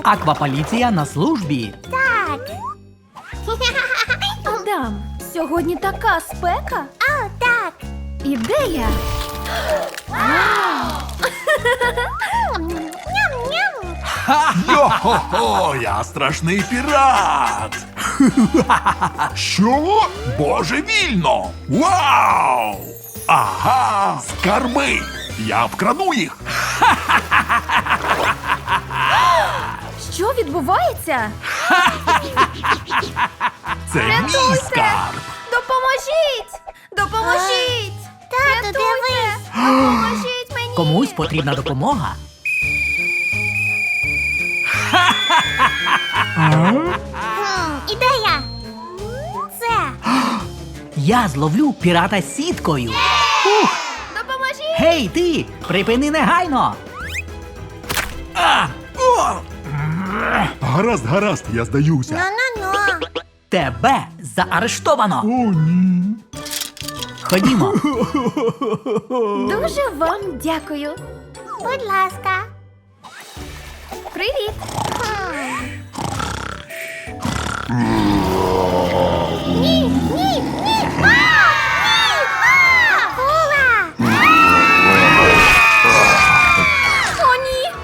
Акваполіція на службі. Так. Адам, сьогодні така спека. О, так. Ідея. Ням-ням. Йо-хо-хо, я страшний пірат! Що? Божевільно! Вау! Ага, скарби! Я вкраду їх! Що відбувається? Це мій скарб! Допоможіть! Допоможіть! Тату, Рятуйте! дивись. Допоможіть мені! Комусь потрібна допомога. Ідея. Це. Я зловлю пірата сіткою. Ух! Допоможіть! Гей, ти! Припини негайно! А! О! Гаразд, гаразд, я здаюся. Ну-ну-ну. Тебе заарештовано! О, ні. Ходімо. Дуже вам дякую. Будь ласка. Привіт! Ні, ні, ні. Акула. О, ні!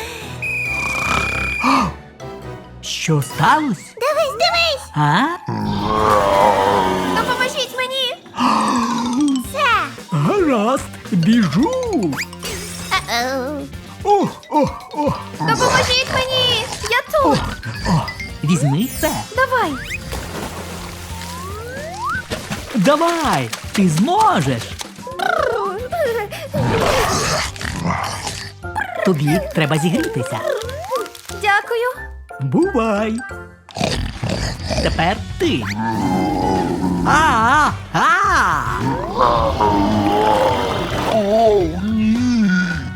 Що сталося? Дивись, дивись. А? Допоможіть мені! Це. Гаразд, біжу. О, о, о. Допоможіть мені! Я тут! Візьми це. Давай! Давай, ти зможеш. Тобі треба зігрітися. Дякую! Бувай. Тепер ти. А! О, ні.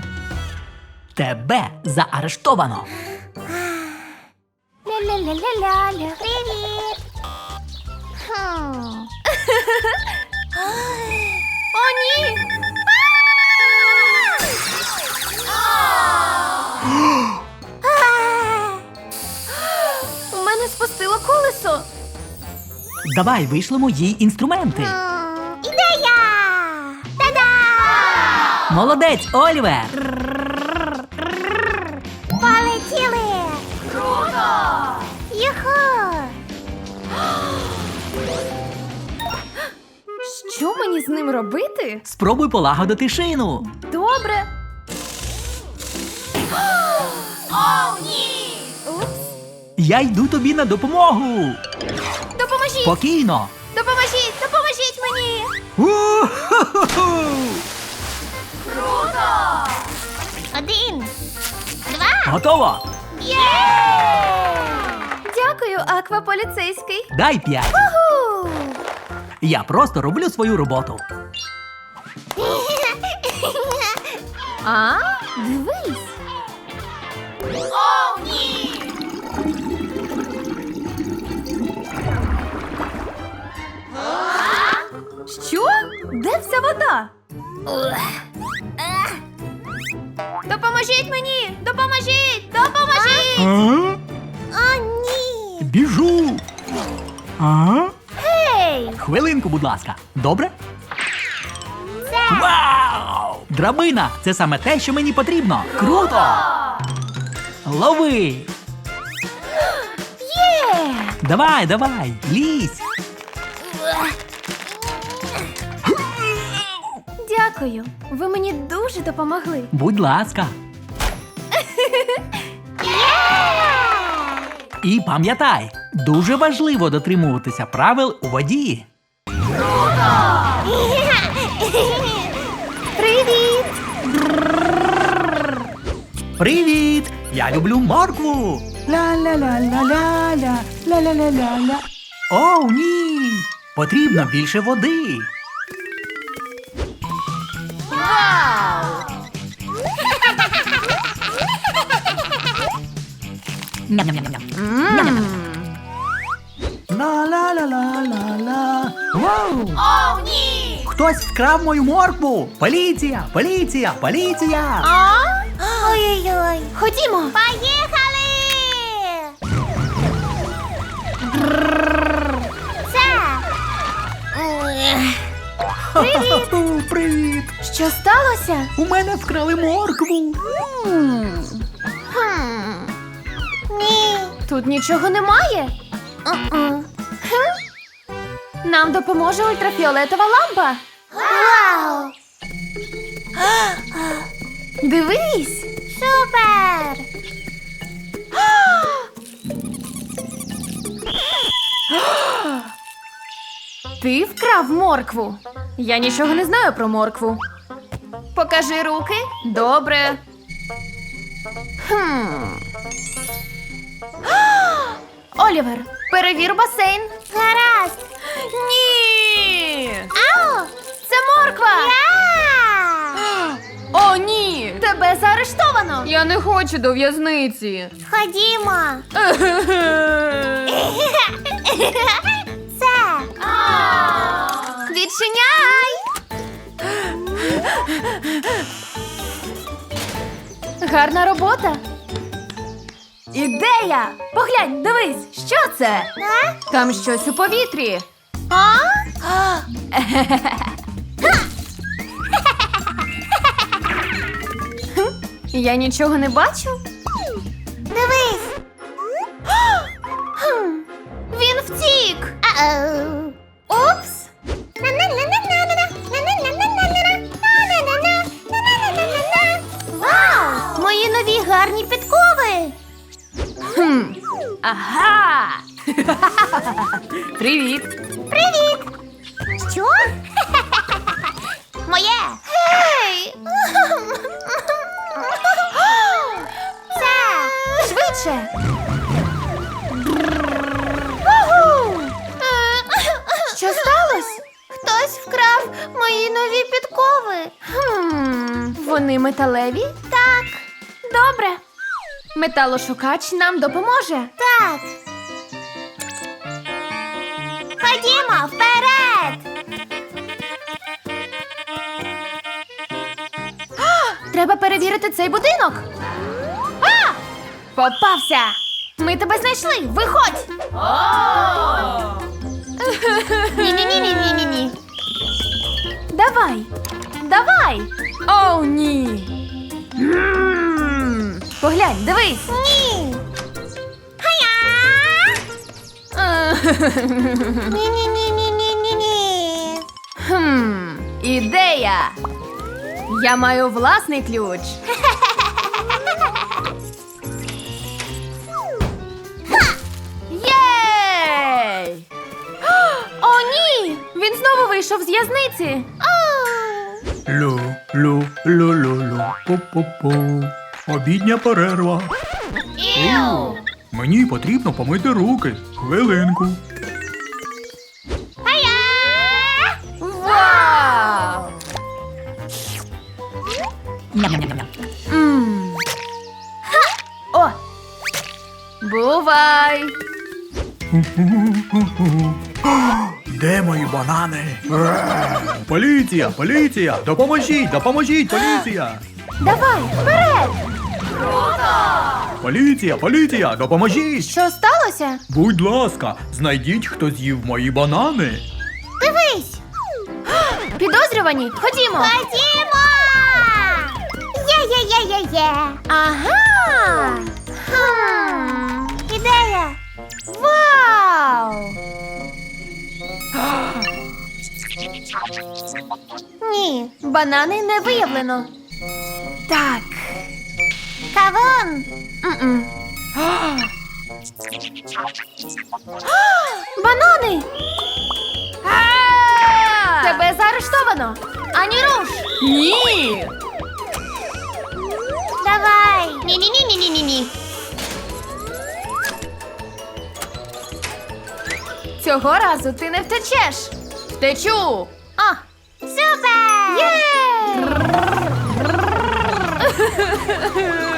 Тебе заарештовано. Ля-ля-ля-ля-ля. Привіт. О, ні! У мене спустило колесо. Давай вишлемо їй інструменти. Ідея. Та-да! Молодець, Олівер. Полетіли. Круто! Юху. Що мені з ним робити? Спробуй полагодити шину. Добре. О, ні! Упс. Я йду тобі на допомогу. Допоможіть! Спокійно. Допоможіть! Допоможіть мені! У-ху-ху-ху. Круто! 1, 2. Готово. Є! Дякую, акваполіцейський. Дай 5. Уху! Я просто роблю свою роботу. А? Дивись! О, ні! Що? Де вся вода? Допоможіть мені! Допоможіть! Допоможіть! О, ні. Біжу. Гей! Хвилинку, будь ласка. Добре? Це. Вау! Драбина! Це саме те, що мені потрібно. Круто! Лови! Є! Давай, давай, лізь! Дякую. Ви мені дуже допомогли. Будь ласка. І пам'ятай, дуже важливо дотримуватися правил у воді. Привіт! Привіт! Я люблю моркву! Ла-ла-ла-ла-ла-ла, ла-ла-ла-ла-ла. О, ні! Потрібно більше води. Вау! Ням-ням-ням-ням. Ням-ням. Ла-ла-ла-ла-ла-ла. Вау! О, ні! Хтось вкрав мою моркву! Поліція! Поліція! Поліція! А? Ой-ой-ой. Ходімо! Поїхали! Це. Привіт! Що сталося? У мене вкрали моркву. Ні. Тут нічого немає. Нам допоможе ультрафіолетова лампа. Вау! Дивись. Супер! Ти вкрав моркву. Я нічого не знаю про моркву. Покажи руки. Добре. Олівер, перевір басейн. Гаразд! Ні! Ау! Це морква! Я! О, ні! Тебе заарештовано! Я не хочу до в'язниці. Ходімо! Це! Відчиняй! Гарна робота. Ідея! Поглянь, дивись, що це? А? Там щось у повітрі. А? Я нічого не бачу. Дивись! Він втік. Ау! Упс! Вау! Мої нові гарні підкови! Ага! Привіт! Привіт! Що? Моє! Гей! Це! Швидше! Що сталося? Хтось вкрав мої нові підкови. Вони металеві? Так, Добре. Металошукач нам допоможе. так. Ходімо вперед! Треба перевірити цей будинок. А! Попався! Ми тебе знайшли! Виходь! Ні-ні-ні-ні-ні-ні. Давай! Давай! Оу, ні! Поглянь, дивись! Ні! Хая! Ні-ні-ні-ні-ні-ні. Ідея! Я маю власний ключ. Єй! О, ні! Він знову вийшов з в'язниці. Лю-лю-лю-лю-лю. Пу-пу-пу. Обідня перерва. Іу! Мені потрібно помити руки. Хвилинку. Хая! Вау! М. О! Бувай! Де мої банани? Поліція, поліція! Допоможіть, допоможіть, поліція! Давай, вперед! Поліція, поліція, допоможіть! Що сталося? Будь ласка, знайдіть, хто з'їв мої банани. Дивись! Підозрювані, ходімо! Ходімо! Є-є-є-є-є! Ага! Ідея! Вау! Ні. Банани не виявлено. Так. Кавун! М-м. Банани! Тебе заарештовано! Ані руш! Ні! Давай! Ні-ні-ні-ні-ні-ні. Цього разу ти не втечеш! Втечу! О! Супер! Є!